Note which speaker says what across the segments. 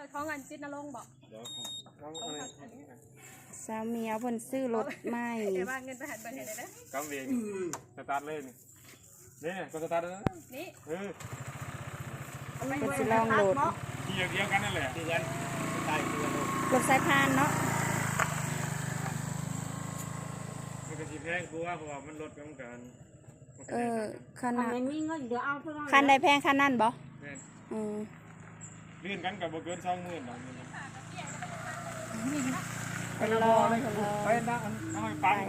Speaker 1: ท้องอันจิตนรงบอก
Speaker 2: สาวเมียวเพิ่นซื้อรถใหม่
Speaker 1: เดี๋ยวว่าเงินไปหันไปไหนได้เด้อก
Speaker 3: ำเองสตาร์ทเลยนี่ก็สตาร์ทแล้ว
Speaker 1: นี่
Speaker 2: เพิ่นสิลองโหลด
Speaker 3: ที่เดียวกันนั่นแหละที่กันใช่คือ
Speaker 2: รถสายพานเนาะ
Speaker 3: มันก็สิแพงกว่าเพราะว่ามันลดกันกัน
Speaker 2: คันนั้น
Speaker 4: มีเงินเดี๋ยวเอาเท่านั้น
Speaker 2: คันใดแพงคันนั้นบ่
Speaker 3: ลื่นกันกับบ่เกิน20,000บาท
Speaker 2: ไปลอง
Speaker 3: ไปนะเอาให้ปัง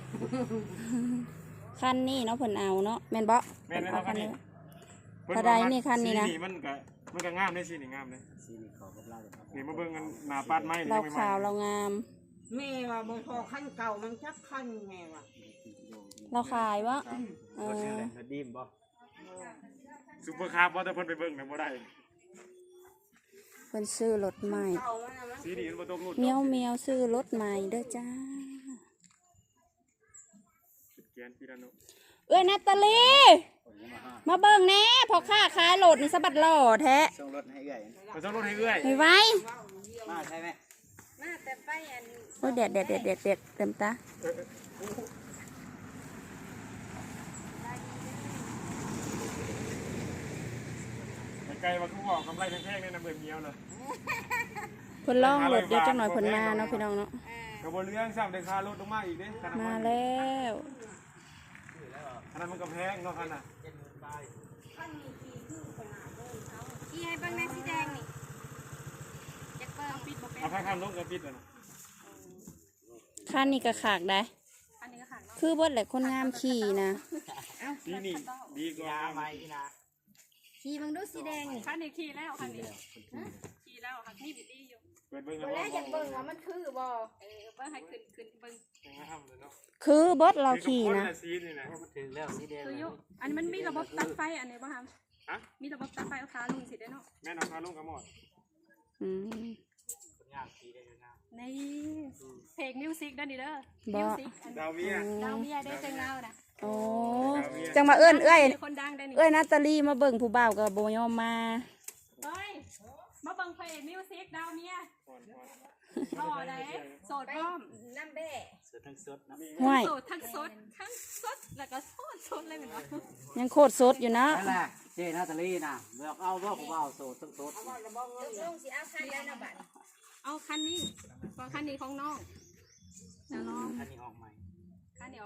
Speaker 2: คันนี้เนาะเพิ่นเอาเนาะแม่นบ่
Speaker 3: แม่นเอาคันนี้
Speaker 2: เท่าใดนี่คันนี้นะ
Speaker 3: มันก็งามได้สินี่งามเลยสีนี่ขอกับเรานี่มาเบิ่งกันหน้าปาดไม้นี่
Speaker 2: เราขาวเรางาม
Speaker 4: แม่ว่าบ่พอขั้นเก่ามันจักขั้นแม่ว่า
Speaker 2: เราขายบ่
Speaker 3: ดีมบ่ซุปเปอร์คาร์บ่แต่เพิ่นไปเบิ่งน่ะบ่ได้
Speaker 2: เพิ่นซื้อรถใหม่
Speaker 3: สีนี่มันบ่ตกรุ่น
Speaker 2: เมียวซื้อรถใหม่เด้อจ้าเอ้ยนาตาลีมาเบิ่งแน่พอค้าขายรถนี่สะบัดหล่อแท้
Speaker 3: ส่งรถให้เอื้อยส่งรถให้เอื้อย
Speaker 2: ไว้
Speaker 3: มาใช่ไหม
Speaker 1: มาแต่ไปอัน
Speaker 2: โอ้ยเด็ดเต็มตา
Speaker 3: ไกลว่าเขาบอกกำไรแพงๆเนี่ยนะเบิ่งเมียวเลย
Speaker 2: เพิ่นล่องรถเดี๋ยวจังหน่อยเพิ่นมาเนาะพี่น้องเนาะ
Speaker 3: กระบวนเรื่องซ้ำได้ค่ารถลงมาอีกเด้
Speaker 2: มาแล้ว
Speaker 3: ขนาดมันก็แพงเนาะขนาด
Speaker 1: อีให้เบิ่งแม่สีแดงนี่จะเปิดปิดบ่เป็น
Speaker 3: เอาผ้าข้ามลงก็ปิดแล้วนะ
Speaker 2: คันนี้ก็ขากได้
Speaker 1: อันนี้ก็ขากเนาะ
Speaker 2: คือเบิดแหละคนงามขี่นะ
Speaker 3: สีนี่ดีกว่าใหม่นะ
Speaker 1: ขี่มึงดูสีแดงนี่คันนี้ขี่แล้วคันนี้ขี่แล้วคันนี้บิดดีอยู่
Speaker 3: เปิดเบิ่ง
Speaker 1: แล้วอยากเบิ่งว่ามันคือบ่เบิ่งให้ขึ้นเบิ่ง
Speaker 2: คือเบิดเราขี่นะ
Speaker 3: ถึงแล้วสีแดง
Speaker 1: คืออยู่อันมันมีระบบตัดไฟอันนี้บ่ครับมีระบบตัดไฟเอาขาลงสิได้เนาะ
Speaker 3: แม่นเอาขาลงกับหมด
Speaker 1: นี่เพลงมิวสิกด้านนี้เด้อ
Speaker 2: มิ
Speaker 1: วสิก
Speaker 3: ดาวเมี
Speaker 1: ยได้จังเงาน่ะ
Speaker 2: โอ้จังมาเอื้อนเอ้ยนาตาลีมาเบิ่งผู้บ่าวกับโบยอมมา
Speaker 1: เฮ้ยมาเบิ่งเพลงมิวสิกดาวเมียรอได้โสดพร้อมน้ำเบ้
Speaker 3: โสดทั้งสด
Speaker 2: ห้วย
Speaker 1: โสดทั้งสดแล้วก็สดเลยเหมือนกัน
Speaker 2: ยังโคตรสดอยู่นะ
Speaker 5: นั่นแหละเจนาตาลีนะเลือกเอาว่าผมเอาโสดทั้งสด
Speaker 1: ลงสิเอาคันแล้วนะบัดเอาคันนี้คันนี้ของน้องแล้วน้อง
Speaker 5: คันนี้ออกใหม่
Speaker 1: อัน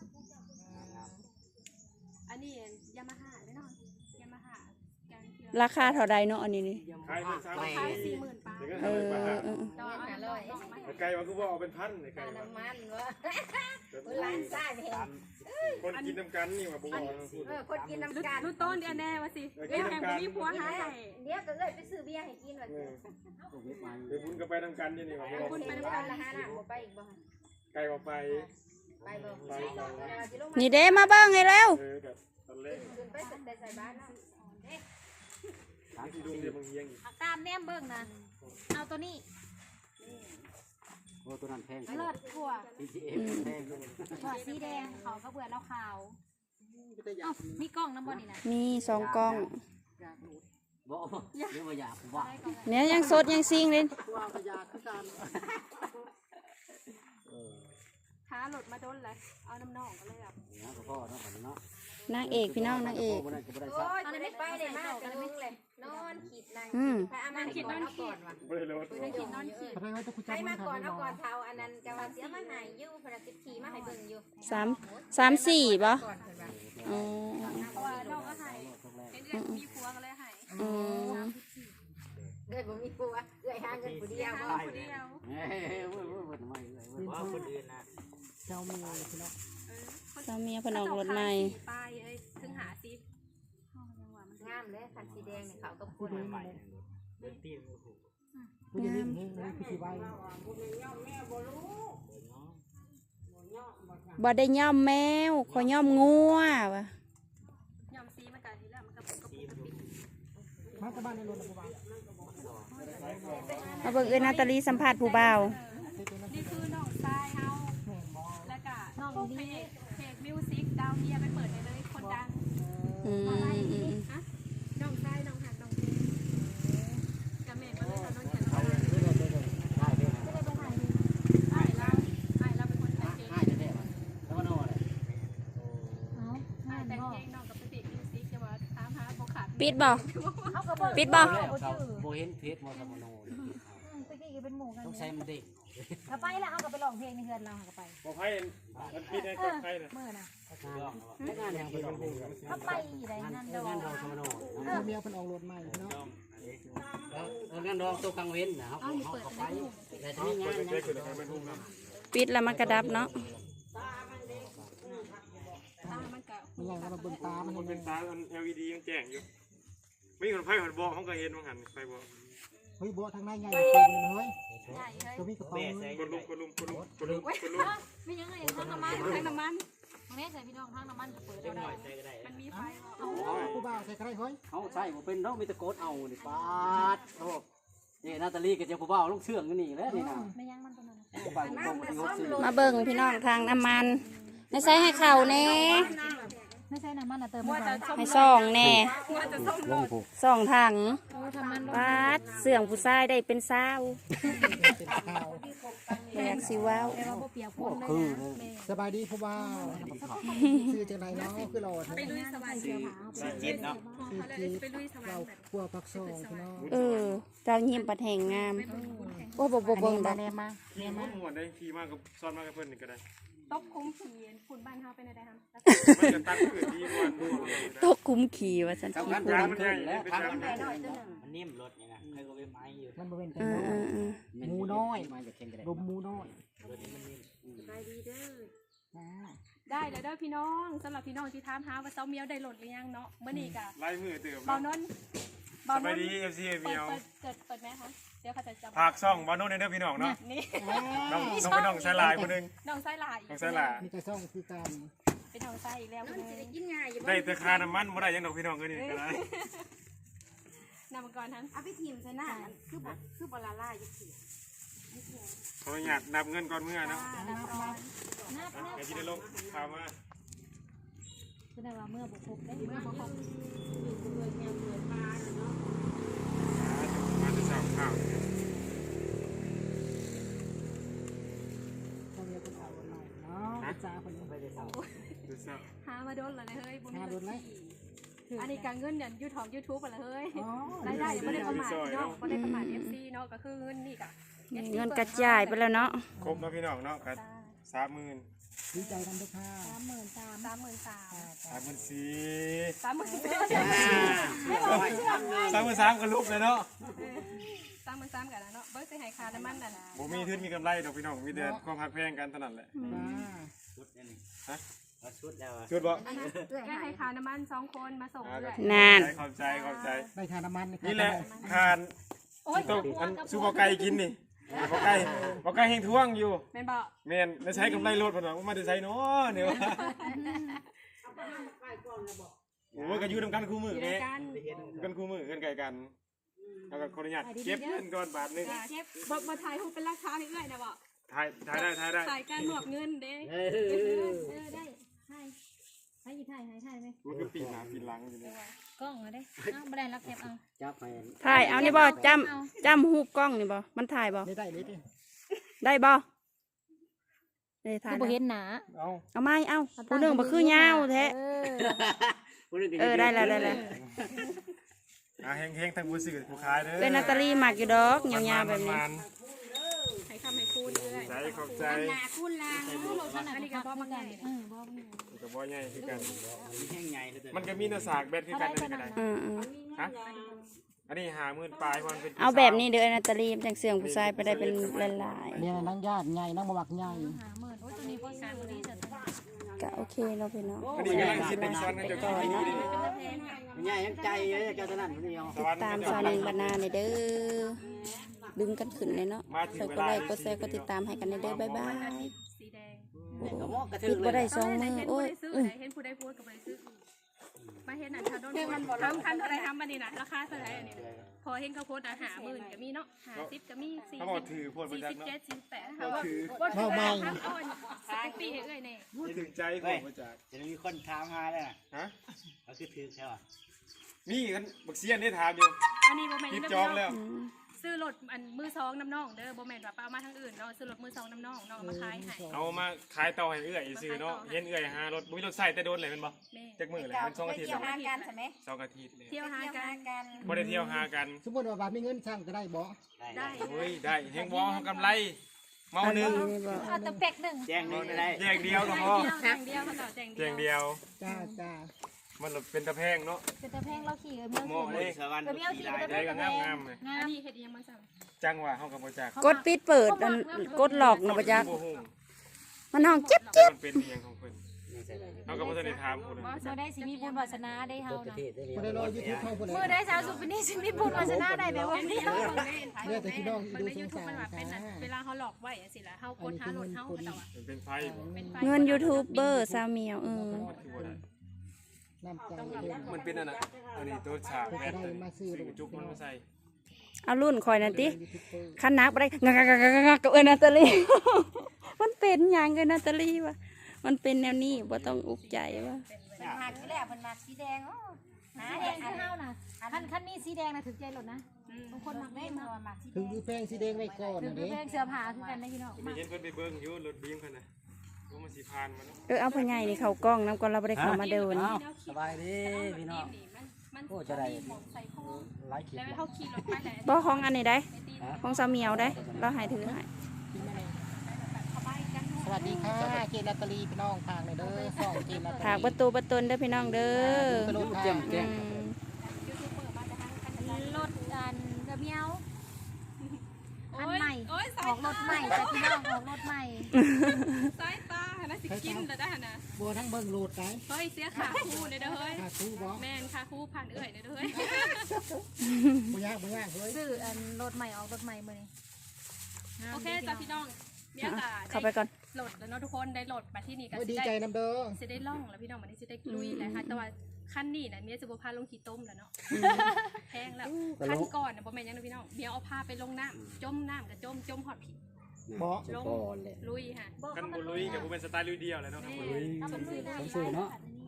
Speaker 1: นี้ยามาฮ่าแน่นอนยามาฮ่า
Speaker 2: ราคาเท่าใดเนาะอันนี้นี่
Speaker 3: ขาย
Speaker 1: 40,000 บาท
Speaker 3: ต่อ500ไก่ว่าคือว่าเอาเป็นพันไก่
Speaker 1: น้ำมันวะร้านซ่าเห็น
Speaker 3: คนกินน้ำกันนี่ว่าบ่
Speaker 1: คนกินน้ำกันรู้ต้นเดียวแน่วะสิเรื่องแข่งมีผัวหาให้เดี๋ยวก็เลยไปซื้อเบียร์ให้กินวะสิ
Speaker 3: เดี๋ยวคุณก็ไปน้ำกันนี่ว่า
Speaker 1: คุณไปน้ำกันละฮะน่ะบ่ไปอีกบ่
Speaker 3: ไก่บ่ไป
Speaker 2: นี่เด้มาเบิ่งให้แล้ว
Speaker 1: ขึ้นไปใส่บ้านเนาะ
Speaker 4: ตามแนมเบิ่งนะเอาตัวนี้
Speaker 5: โอ้ตัวนั้นแพง
Speaker 4: เลิศกว่า
Speaker 5: แพง
Speaker 4: ถั่วสีแดงเขาก็เบื่อแล้วขาวมีกล้องน้ำบอลนี่นะ
Speaker 2: มี2 กล้อง
Speaker 5: บ่เดี๋ยวมาอยากว่า
Speaker 2: เนี่ยยังสดยังซิงเลย
Speaker 1: ท้าหลุดมาโดนเลยเอาน้ำนองก็เลยอ่ะ
Speaker 2: นางเอกพี่น้องนางเอก
Speaker 1: โอ้ยอะไรไม่ไปเลยมากกันมึงเลยนอนขีดนางขีดนอนขีดว่ะขีดนอนขีดให้มาก่อนเอาก่อนเท้าอันนั้นจะว่าเสียมาหายยู่พนักติดขี่มาให้เบิ่งอยู่
Speaker 2: 3 4ป่ะ
Speaker 1: อ๋อเพราะว่าน้องก็ให้เดือนมีผัวก็เลยให้เดือนผมมีผัวเดือนหาเงินผู้เดียว
Speaker 5: ว่าคนอื่นนะ
Speaker 2: เจ้าเมียพนอกรถใหม่
Speaker 1: ป้ายเอ้ยถึงหาซิงามเลยคันสีแดงเนี่ยเขาก็พูดใหม่
Speaker 2: บ่ได้ย่อมแมวขอย่อมงัววะ
Speaker 1: ย่อมซีมันกันทีแล้วมันก็
Speaker 2: มาเบิ่งเอ้ยนาตาลีสัมภาษณ์ผู้บ่าว
Speaker 1: นี่คือน้องทรายเฮาแล้วก็น้องเพลงมิวสิกดาวเมียไปเปิดเลยคนดังน้องทรายน้องหักน้องเพลงกับแม่ก็เลยน้อง
Speaker 2: ปิดบ่ปิดบ่
Speaker 5: โบเห็นเพชรมอสมโน
Speaker 4: ตะกี้ก็เป็นหมู่กัน
Speaker 5: ต้องใช้มันเด็ก
Speaker 4: เขาไปแล้วเขาก็ไปร้องเพลงในเฮือนเราเขาก็ไป
Speaker 3: บ่ไผมันปิดให้กับใครน่ะ
Speaker 4: เมื่อน่ะ
Speaker 5: งานยังเป็นคนพูด
Speaker 4: เขาไปอยู่ไหนนั่นดอก
Speaker 5: งานดองสมโน
Speaker 6: เมียเพิ่นออกรถใหม่เนาะ
Speaker 5: งานดองตัวกังเว้นนะครับเขาไปแต่จะมีงาน
Speaker 3: เด็กๆคือให้มันทุ่งนะ
Speaker 2: ปิดแล้วมันกระดับเนาะ
Speaker 6: มันยังเราเบิ่งตามัน
Speaker 3: มัน
Speaker 6: เห็
Speaker 3: เป็น
Speaker 6: น
Speaker 3: ตาอัน LED ยังแจ้งอยู่มีคนไผคนบอกเขาก็เห็นว่าหั่นไผบอก
Speaker 6: เฮ้ยบ่ทางในไงเป็นเฮ้ยก็มีกระเป๋าเงิน
Speaker 3: กดลุม
Speaker 4: ไม่ยังไงทั้งน้ำมันทั้งน้ำมันตรงนี้ใส่พี่น้องทั้งน้ำมันเปิดได้มันมีไฟ
Speaker 6: ผู้บ่าวใส่กระไรเฮ้ย
Speaker 5: เขาใช่ผมเป็นน้องมีตะโกนเอานี่ปาดโอ้นี่นาตาลีกับเจ้าผู้บ่าวลูกเชื่องกันนี่แล้วนี่นะ
Speaker 4: ไม่ยังมันตรงนั้น
Speaker 2: มาเบิ่งพี่น้องทางน้ำมันไม่ใส่ให้เข่าแน่
Speaker 4: ไม่ใช่น้ำมันอะเติมไม่ใช่
Speaker 2: ให้ซ่องแน่
Speaker 5: ลงผูก
Speaker 2: ซ่องถัง
Speaker 4: ทำมัน
Speaker 2: ปาดเสื่องผู้ชายได้เป็นสาว
Speaker 6: เป็นข้าว
Speaker 2: แบกสิว้าว
Speaker 4: แต่ว่าพวกเปียกพ่นเลย
Speaker 5: คือ
Speaker 6: สบายดีผู้บ่าวชื่อจังไรเนาะคือเรา
Speaker 4: ไปลุยสบายเชียวผา
Speaker 5: จิตเนาะ
Speaker 6: ชื่อจีเราขัวปักซองพี่น้อง
Speaker 2: เจ้ายิ้มปัดแห่งงาม โอ้บ่เบิ่งดอก
Speaker 3: ขี่ม่วนได้ขี่มากับซ้อนมากับเพิ่นนี่ก็ได้
Speaker 4: ตบคุ้มผีฝุ่นบ้านเฮาเป็นอะไรครับ
Speaker 3: มันจะตัดคือดีม่วนม่วนเลย
Speaker 2: ตกคุ้มขี่ว่าฉันขี่
Speaker 5: ทำงาน
Speaker 2: พุ่
Speaker 5: ยาง
Speaker 2: ง
Speaker 5: มันใหญ่แล้วทำมันมันนิ่มรถนี่นะใครก็ไปไม้อยู่
Speaker 6: มันบ่เป็น
Speaker 2: เออเออเออ
Speaker 6: หมูน้อย
Speaker 5: มาจากเข่งกัน
Speaker 6: ลมหมูน้อย
Speaker 5: รถนี้มันนิ่ม
Speaker 7: ได้เลยเด้อพี่น้องสำหรับพี่น้องที่ถามหาว่าเจ้าเมียวได้โหลดหรือยังเนาะเมื่อนี้กะ
Speaker 3: ลายมือเติม
Speaker 7: เบานน
Speaker 3: สบายดี FC เมียว
Speaker 7: เปิดไหมคะเดี๋ยวเขาจะจำ
Speaker 3: ภาคซ่องบ่โน่นเด้อพี่น้องเนาะ
Speaker 7: นี่
Speaker 3: น้องไปน้องใส่ลายคนนึง
Speaker 7: น้องไส้ลาย
Speaker 3: น้องใส่ลาย
Speaker 6: มีแต่ซ่องคือการ
Speaker 7: เป็นน้องไส้อีกแล้วคนนึง
Speaker 1: กินง่ายอยู่
Speaker 3: ได้แต่ค่าน้ำมันบ่ได้ยังดอกพี่น้องก็นี่ก็ได้
Speaker 7: นำมาก่อนทั้ง
Speaker 1: เอาไปทีมซะหน้าคือบ่ละลายอยู่สิ
Speaker 3: ขออนุญาตนับเงินก่อนเมื่อเนาะ
Speaker 4: นับ
Speaker 3: ไอ้ที่ได้ลงข่าวมา
Speaker 4: คือได้ว่าเมื่อบุกครบได้เมื่อบุกครบ
Speaker 3: มาจะสาวข่าว
Speaker 6: ซ่องเมียเพิ่นออกรถใหม่เนาะจ้าเพิ่นไปได้เศร้า
Speaker 3: จะสาว
Speaker 7: หามาโดนเลยเฮ้ยบุญ
Speaker 6: หาโดนไหม
Speaker 7: อันนี้การเงินเนี่ยยูทูบอะไรเฮ้ย
Speaker 6: อ๋อ
Speaker 7: รายได้ยังไม่ได้ประมาทเนาะไม่ได้ประมาท FC เนาะก็คือเงินนี่กะ
Speaker 2: เงินกระจายไปแล้วเนาะ
Speaker 3: ครบแล้วพี่น้องเนาะกัน30,000
Speaker 6: ดีใจกันทุกท่า
Speaker 7: 33,000
Speaker 3: 34,000
Speaker 7: 34,000
Speaker 3: 33,000ก็ลุกเลยเนาะ
Speaker 7: 33,000กันเนาะเบิ้งสิให้ค่าน้ำมันนั่น
Speaker 3: บ่มีทุนมีกำไรดอกพี่น้องมีแต่ความหักแพงกันเท่านั้นแหละ
Speaker 6: จ้า
Speaker 5: ชุดนี่ชุดแล้ว
Speaker 3: ชุดบ่
Speaker 7: แค่ให้ค่าน้ำมัน2คนมาส่งเรื่อย
Speaker 2: นาน
Speaker 3: ขอบใจ
Speaker 6: ได้ทาน้ำมัน
Speaker 3: นี่แหละทานต้องอันซูบ่ไก่กินนี่บ่ไก่แห้งท่วงอยู่
Speaker 7: แม่นบ่
Speaker 3: แม่นแล้วใช้กำไรรถเพิ่นว่ามาได้ใช้เนาะเนี่ยว่าโอ้ยก็อยู่นำกันคู่มือแม่
Speaker 7: กัน
Speaker 3: กันคู่มือกันไกลกันแล้วก็ขออนุญาตเก็บเงินก่อนบาทนึง
Speaker 7: เชฟบ่ถ่ายรูปเป็นราคาให้เอื้อยนะบ่
Speaker 3: ถ่ายได้
Speaker 7: ถ่ายการหมอบเงินเด้
Speaker 4: ได้ให้หยิบถ่ายไหม
Speaker 3: มันก็ปีหน้าปีหลังอยู่นี่
Speaker 4: กล้องเอาได้ไม่ได้รักแคปเอา
Speaker 5: จับไป
Speaker 2: ถ่ายเอานี่บ่จำหูปกล้องนี่บ่มันถ่ายบ่
Speaker 6: ได้เลยดิ
Speaker 2: ได้บ่ได้ถ่าย
Speaker 4: คือบ่เห็นหนา
Speaker 3: เอา
Speaker 2: เอาไม้เอาผู้หนึงบ่คือยาวแท้ได้แล้ว
Speaker 3: เฮงๆทั้งผู้ซื้อผู้ขายเด้อ
Speaker 2: เป็นนาตาลีมากอยู่ดอกยาวๆแบบนี้
Speaker 7: ให้คำให้คูณเอื้อย
Speaker 3: ใจขอบใจ
Speaker 1: หน้าคุณล่ะ
Speaker 7: อันนี้ก็บ่มาไง
Speaker 3: ก็บ่ใหญ่คือกัน
Speaker 5: แห้งใหญ่เลย
Speaker 3: มันก็มีหน้าสากแบตคือกันนั่นก็ได้
Speaker 2: อืม
Speaker 3: ฮะอันนี้50,000ปลายมันเป็น
Speaker 2: เอาแบบนี้เด้อนาตาลีจังเสียงผู้ชายไปได้เป็นหลาย
Speaker 6: เนี่ยนั่งญาติใหญ่นั่งมาวักใหญ่
Speaker 4: โอ้ยตัวนี้พอสามดีจัด
Speaker 2: ๆก็โอเคเนาะพี่น้อง
Speaker 3: อันนี้กำลังสิเป็นซ้อนกันจะกินดีนี่
Speaker 5: ใหญ่ยังใจเลยเจ้าตนั่นคนเดียว
Speaker 2: ตามซานิงบานาในเด้อดึงกันขึ้นเลยเนาะใส่ก็ไลค์กดแชร์กดติดตามให้กันในเด้อบ๊ายบาย
Speaker 7: สีแดง
Speaker 2: ปิดบ่ได้2มื้อโอ้ย
Speaker 7: เห็นผู้ใดพูดกับบ่ได้ซื้อมาเห็นอันชาโดนทำคันเท่าไรทำมานี่นะราคาเท่าไรอันนี้พอเห็นเขาโพสต์50,000ก็มีเนาะ50ก็มี40
Speaker 3: เขาบอกถือพวดประจักษ์เนาะ
Speaker 7: 47 48เขาว่าบ่ถือครับอ่อนสปีให้เอ้ยแน่
Speaker 3: ถึงใจพวดประจักษ์
Speaker 5: จะมีคนถามหาเลย
Speaker 3: ฮะ
Speaker 5: ก็คือถือใช่ป่ะ
Speaker 3: นี่กันบักเซียนได้ถามอยู่
Speaker 7: อันนี้บ่แม่น
Speaker 3: คิดจองแล้ว
Speaker 7: ซื้อรถอันมือสองน้ำน่องเด้อบ่แม่นว่าเอามาทางอื่นเนาะซื้อรถมือสองน้ำน่องเอามาขายให้
Speaker 3: เอามาขายต่อให้เอื้อยซื้อเนาะเห็นเอื้อยหารถบุ้ยรถใส่แต่โดนเลยแม่นบ่
Speaker 7: แม่
Speaker 3: จักมื้อเลยมัน2อาทิตย์
Speaker 1: เที่ยว
Speaker 3: แล้ว
Speaker 1: หากันใช่ไหม
Speaker 3: 2อาทิตย์เลย
Speaker 7: เที่ยวหากัน
Speaker 3: บ่ได้เที่ยวหากัน
Speaker 6: สมมติว่าบาทมีเงินช่างจะได้บ่
Speaker 7: ได้
Speaker 3: โอ้ยได้แฮงบ่เฮากำไรเมาหนึง
Speaker 2: นี่บ่
Speaker 4: เอาแต่เป็กหนึ่ง
Speaker 5: แจ้งนี่ก็ได้
Speaker 3: แยกเดียวก็พอ
Speaker 7: แจงเดียวเขาต่อแจง
Speaker 3: เพียงเดียว
Speaker 6: จ้าจ้า
Speaker 3: มันเป็นตะแพงเนาะ
Speaker 4: เป็นตะแพงเราขี่เมียว
Speaker 3: เหมาะเลย
Speaker 5: สวรรค์ขี่ได้
Speaker 3: ได้ก็งามๆเลย
Speaker 4: งา
Speaker 7: อัน
Speaker 4: ม
Speaker 7: นี้เฮ็ดอีหยังมาสั่ง
Speaker 3: จังหวะเฮาก็บ่จัก
Speaker 2: กดปิดเปิดอันกดหลอกนะบ่จัก
Speaker 3: บ่ฮู้
Speaker 2: มันห้องจิ๊บ
Speaker 3: แต่มันเป็นอีหยังของเพิ่นเฮาก็บ่ทันได้ถามผู้ใด
Speaker 4: เมื่อได้สิมีบุญวาสนาได้เฮานะ
Speaker 6: บ่ได้รอยูทูบเข้าผู้ใด
Speaker 4: เมื่อได้สาวสุปินี่สิมีบุญวาสนาได้แบบว่านี้
Speaker 6: เนี่ยแต่พี่น้อง
Speaker 7: มัน
Speaker 6: ดู
Speaker 7: ใน
Speaker 6: ส
Speaker 7: ยู
Speaker 6: ง
Speaker 7: ทูบ
Speaker 6: สาร
Speaker 7: มันแบบเป็น
Speaker 6: จ้า
Speaker 7: เวลาเขาหลอกไว้จังซี่แหละเฮากดหารถเฮาเขาต่อ
Speaker 3: มันเป็นไฟบ่
Speaker 7: เป็นไฟ
Speaker 2: เงินยูทูบเบอร์ซาวเมียว
Speaker 3: คือบ่ได้
Speaker 6: น้ำใจเล่น
Speaker 3: มันเป็นอันน่ะอันนี้ตัวฉากแว่นตัวนี้ซื้อกระจุกมันมาใส่
Speaker 2: เอารุ่นคอยนั่นติ
Speaker 6: ยูทูบเบอร์
Speaker 2: คันนักบ่ได้งักกับนาตาลี มันเป็นหยังกับนาตาลีวะมันเป็นแนวนี้บ่ต้องอุกใจวะ
Speaker 1: เป็นหากที่แล้วเป็นหมากสีแดงอ๋อหา
Speaker 4: สีแด
Speaker 1: แด
Speaker 4: ง
Speaker 1: ง
Speaker 4: คือเฮาน่ะคันนี้สีแดงน่ะถึงใจหลดนะ
Speaker 7: บาง
Speaker 4: คนมัก
Speaker 1: ไม่
Speaker 4: เล่น
Speaker 1: มา
Speaker 4: เนาะ
Speaker 1: หมากสีแด
Speaker 6: ถึง
Speaker 1: ง
Speaker 6: ดูแป้งสีแดงไว้ก่อน
Speaker 4: ถึง
Speaker 6: นะ
Speaker 4: ดู
Speaker 6: เด้
Speaker 4: แพงเสื้อผ้าคือกันนะพี่น้อง
Speaker 3: มีเห็นเพิ่นไปเบิ่งอยู่รถบีมเพิ่นน่ะว่ามันสิผ่านมาเนาะ
Speaker 2: เอาพ่อใหญ่นี่เข้ากล้องนำก่อนเราบ่ได้เข้ามาเดิน
Speaker 5: สบายดีพี่น้อง
Speaker 7: มัน
Speaker 5: โอ้จะได้
Speaker 7: ของใส่ข้อ
Speaker 5: ไลฟ์คลิป
Speaker 7: แล้วเขาขี่รถไปแหละ
Speaker 2: บ่ของอันนี้ได้ของซาวเมียวได้เราให้ถือให้
Speaker 6: สวัสดีค่ะเจนนาตาลีพี่น้องทางเลยเด้อส่องเจนนาตาลี
Speaker 2: ถากประตูประตนเด้อพี่น้องเด้อ
Speaker 6: กระโดด
Speaker 5: เจีย
Speaker 6: ทาม ง
Speaker 5: แจ้ง
Speaker 4: รถอันเมียวอันใหม่
Speaker 7: โอ้ย
Speaker 4: ออกรถใหม่แต่พี่น้องออกรถใหม่
Speaker 7: สายตาหนะสิกินแต่ได้หนะ
Speaker 6: บัวทั้งเบิ่งโหลดได้
Speaker 7: เฮ้ยเสียขาคู่เลยเด้อเฮ้ย
Speaker 6: ค่าทูบ่
Speaker 7: แมนขาคู่ผ่านเอื่อยเลยเด้อเฮ้ย
Speaker 6: บ่ยากบ่ยากเฮ้ย
Speaker 4: ซื้ออันรถใหม่ออกรถใหม่มื้อนี้
Speaker 7: โอเคจ้าพี่น้องเมียกา
Speaker 2: เข้าไปก่อน
Speaker 7: โหลดแล้วเนาะทุกคนได้โหลดมาที่นี่กัน
Speaker 6: โอ้ยดีใจนำเด้อ
Speaker 7: จะได้ล่องแล้วพี่น้องวันนี้จะได้ลุยแล้วค่ะแต่ว่าขั้นนี้นะเมียจะบ่พาลงขี้ต้มแล้วเนาะแพงแล้วขั้นก่อนนะบ่แม่นยังนะพี่น้องเมียเอาพาไปลงน้ำจมน้ำกับจมหอดผิด
Speaker 6: บ่
Speaker 5: จะก่อนเลย
Speaker 7: ลุยค่ะ
Speaker 3: กันบ่ลุยกับบ่เป็นสไตล์ลุยเดียวแหละเนาะครับบ่ลุย
Speaker 5: สมสื่อเนาะ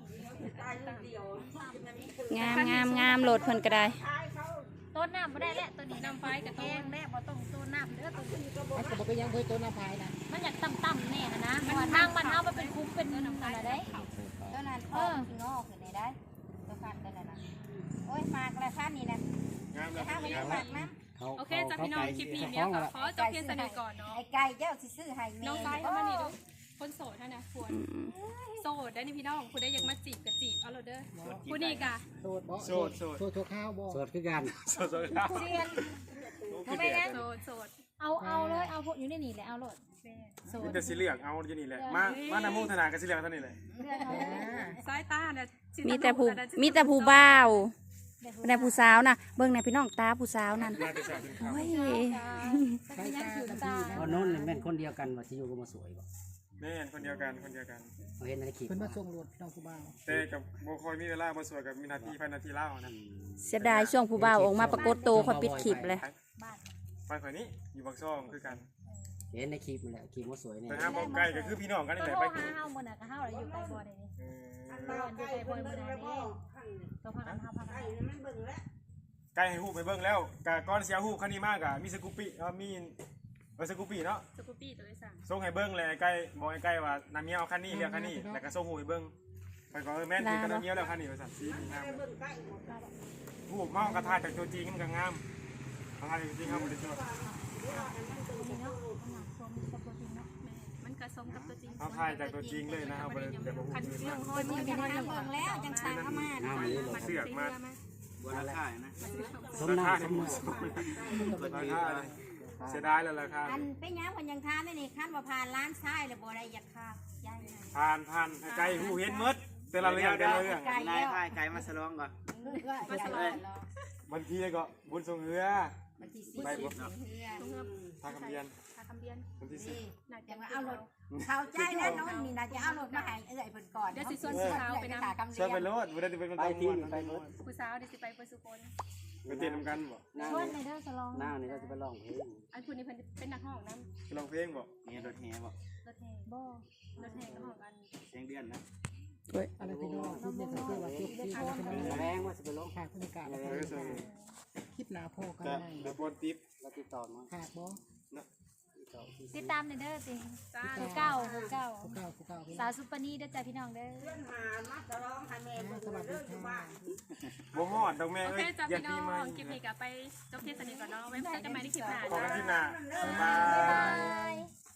Speaker 2: งามโหลดเพิ่นก็ได้
Speaker 4: ต้นน้ำบ่ได้แล้วตัวนี้
Speaker 7: น้ำไฟกับ
Speaker 4: แพ
Speaker 7: ต้
Speaker 4: ง
Speaker 7: น
Speaker 4: แล้วบ่ต้องต้นน้ำเด้อตัวนี้
Speaker 6: มันก็บ่เป็นหยังเฮ้ยตัวน้ำพายนะ
Speaker 4: มันอยากต่ำๆแน่นะเพราะว่าทางมันเฮามันเป็นคุ้มเป็นอะไรได้
Speaker 1: ตัวนั้นพ่อที่งอขึ้นได้ได้ตัวฟันตัวนั้นนะโอ้ยหมากอะไรฟันนี่นะ
Speaker 3: งาม
Speaker 1: จะ
Speaker 3: แล้ว
Speaker 1: ห้ามไม่
Speaker 3: งา
Speaker 1: ได้
Speaker 3: ม
Speaker 1: หมากนะ
Speaker 7: โอเคจ้าพี่น้องคลิปนี้เมียก็ขอจบเพียงเท่านี้ก่อนเนาะ
Speaker 1: ไอ้ไก่เจ้าสิซื้อให้แม่
Speaker 7: น้องไฟเข้ามานี่ดูคนโสดเท่านะควรโสดได้นี่พี่น้องคุณได้ยังมาจีบกับจีบเอาเราเด้อคุณนี่กะ
Speaker 6: โสดบ่
Speaker 3: โสด
Speaker 6: โสดข้าวบ่
Speaker 5: สดคือกัน
Speaker 3: สดครับ
Speaker 4: เซียน
Speaker 3: คือเด็ก
Speaker 7: โสด
Speaker 4: เอาเลยเอาพวกอยู่ในนี่แหละเอาโลดโซ
Speaker 3: มี
Speaker 4: น
Speaker 3: แต่สีเหลืองเอาอยู่นี่แหละมาน้ำมูกธนากับสีเหลืองเท่านี้เลย
Speaker 7: สายตาเนี่ย
Speaker 2: มีแต่ผู้บ่าวแต่ผู้สาวน่ะเบิ่งในพี่น้องตาผู้สาวนั่น
Speaker 3: มาแต่สาวถึงครับ
Speaker 2: โอ้ย
Speaker 6: ใช้ตากับพี่นะ
Speaker 5: พอโน้นแม่นคนเดียวกันว่าสิอยู่ก็มาสวยบ่
Speaker 3: แม่นคนเดียวกัน
Speaker 5: เห็นในคลิป
Speaker 6: เพิ่นมาส่งโหลดพี่น้องผู้บ่าว
Speaker 3: แต่กับโบคอยมีเวลามาสวยกับมีนาทีพันนาทีเล่านะ
Speaker 2: เสียดายช่วงผู้บ่าวออกมาปรากฏตัวคอยปิดคลิปเลย
Speaker 3: ไปข่อยนี้อยู่บางซ่องคือกัน
Speaker 5: เห็นในคลิปมันแหละคลิปว่าสวยเนี่ย
Speaker 3: แต่ห้ามเอาใกล้ก็คือพี่น้องกันนี่
Speaker 4: ตัว
Speaker 3: แหละ
Speaker 4: โทร
Speaker 3: ไป
Speaker 4: หาเฮามื้อน่ะก็เฮาแล้วอยู่ไกลบ่ได้นี่อยู่ไกลบ่มื้อน่ะนี่ตัวพากันเฮาพากัน
Speaker 3: ใกล้ให้ฮู้ไปเบิ่งแล้วกะก้อนเสียฮู้คันนี้มากอะมีสกูปปี้มีสกูปปี้เนาะ
Speaker 7: สกูปปี้ตัวที่สั่ง
Speaker 3: ส่งให้เบิ่งเลยใกล้บอกใกล้ว่าน้ำเมียวคันนี้เรียกคันนี้แล้วก็ส่งหูให้เบิ่งไปก็แม่นคือกันน้ำเมียวแล้วคันนี้ว่าซั่นสีงามฮู้เมากระทายจากตัวจริงมันก็งามกระทายจากตัวจริงครับบ่ได้ช่วย
Speaker 7: มันกระสมกับตัวจริง
Speaker 3: เอาถ่ายจากตัวจริงเลยนะครับบ่ได้แต่บ่ฮู้
Speaker 7: คัน
Speaker 3: อื่น
Speaker 7: เรื่อง
Speaker 3: มา
Speaker 7: ห้อยมือ
Speaker 1: จะ
Speaker 7: กัน
Speaker 1: ทำเบิ่งแล้วจังสั่งเข้ามา
Speaker 5: น้ำมันนี่
Speaker 3: เสือกมา
Speaker 5: บัวละค่ายนะสม
Speaker 3: รา
Speaker 5: น้ำ
Speaker 3: คา
Speaker 5: สม
Speaker 3: ที่
Speaker 5: มือ
Speaker 3: ราคาเสียดายแล้วราคา
Speaker 1: อันเป็นยังคนยังทานได้นี่คันว่าผ่านร้านซ้ายแล้วบ่ได้อยากค่ายายนะ
Speaker 3: ผ่านไกลหูเห็นหมดแต่ละเรื่อง
Speaker 1: ไก่แล้ว
Speaker 5: ไก่มาสลองก่อน
Speaker 1: มาสลอง
Speaker 3: บางทีก็บุญทรงเรือ
Speaker 1: วันที่4
Speaker 3: ไปบ่
Speaker 1: เฮือ
Speaker 3: ทางคำเบียน
Speaker 7: ทาคำเบียน
Speaker 3: วันที่
Speaker 1: นี่
Speaker 7: น่า
Speaker 1: จะ
Speaker 7: จะ
Speaker 1: มาเอารถเข้าใจแล้วน้องนี่น่าจะเอารถมาให้เอื้อยเพิ่นก่อน
Speaker 7: เดี๋ยวสิส่วนสีขาวไปนำ
Speaker 3: 10ช่วยไปรถบ่ได้เป็นคน
Speaker 5: ไป
Speaker 3: ตำร
Speaker 5: ที่
Speaker 3: วจ
Speaker 5: ไปรถ
Speaker 7: ผู้สาวเดี๋ยวสิไปเปิดสุโขน
Speaker 3: ไปเต้นนำกันบ่
Speaker 5: หน้า
Speaker 4: ชวน
Speaker 5: นี่
Speaker 4: ในเด้อสลอง
Speaker 5: หน้านี่เราจะไปลองเพลง
Speaker 7: อันคุณนี่เป็นนักห้องน้
Speaker 3: ไปร้องเพลงบ่
Speaker 5: นี่รถแห่บ่
Speaker 7: ำรถแห่
Speaker 4: บ่
Speaker 7: รถแห่ก็ห้องกัน
Speaker 5: เสียงเดือนนะ
Speaker 6: อะไรพี่น้องคุณเนี่ยก็คือว่าคลิปที่เราทำ
Speaker 5: แรงว่าสิไปลง
Speaker 6: ฝากบรรยากาศแล้วก็คลิปหน้าพ่อกัน
Speaker 3: จะ
Speaker 6: ได้
Speaker 3: เดี๋ยวบนติ๊บ
Speaker 5: แล้วติดต่อมา
Speaker 6: ฝากบ่
Speaker 4: ติดตามเด้อติ
Speaker 7: จ้า
Speaker 4: ผู้เก่า
Speaker 6: ผู้เก่าพี่
Speaker 4: สาวซุปเปอร์นี่เด้อจ้าพี่น้องเด้อ
Speaker 6: สวัสดีค่ะ
Speaker 3: บ่ฮอดดอกแม่
Speaker 7: โอ
Speaker 3: เอ้
Speaker 7: เค
Speaker 3: ย
Speaker 7: จ้า
Speaker 3: อย่า
Speaker 7: พี่น้
Speaker 3: ปี
Speaker 7: อ
Speaker 3: ใหม่
Speaker 7: งคลิปนี้ก็ไปจบที่สนิทก่อนเนาะไว้พบกันใหม่ในคลิปหน้า
Speaker 3: ขอ
Speaker 7: จ้า
Speaker 3: กันที่หน้าบ๊ายบา
Speaker 4: บ๊าย
Speaker 3: ย
Speaker 4: บาย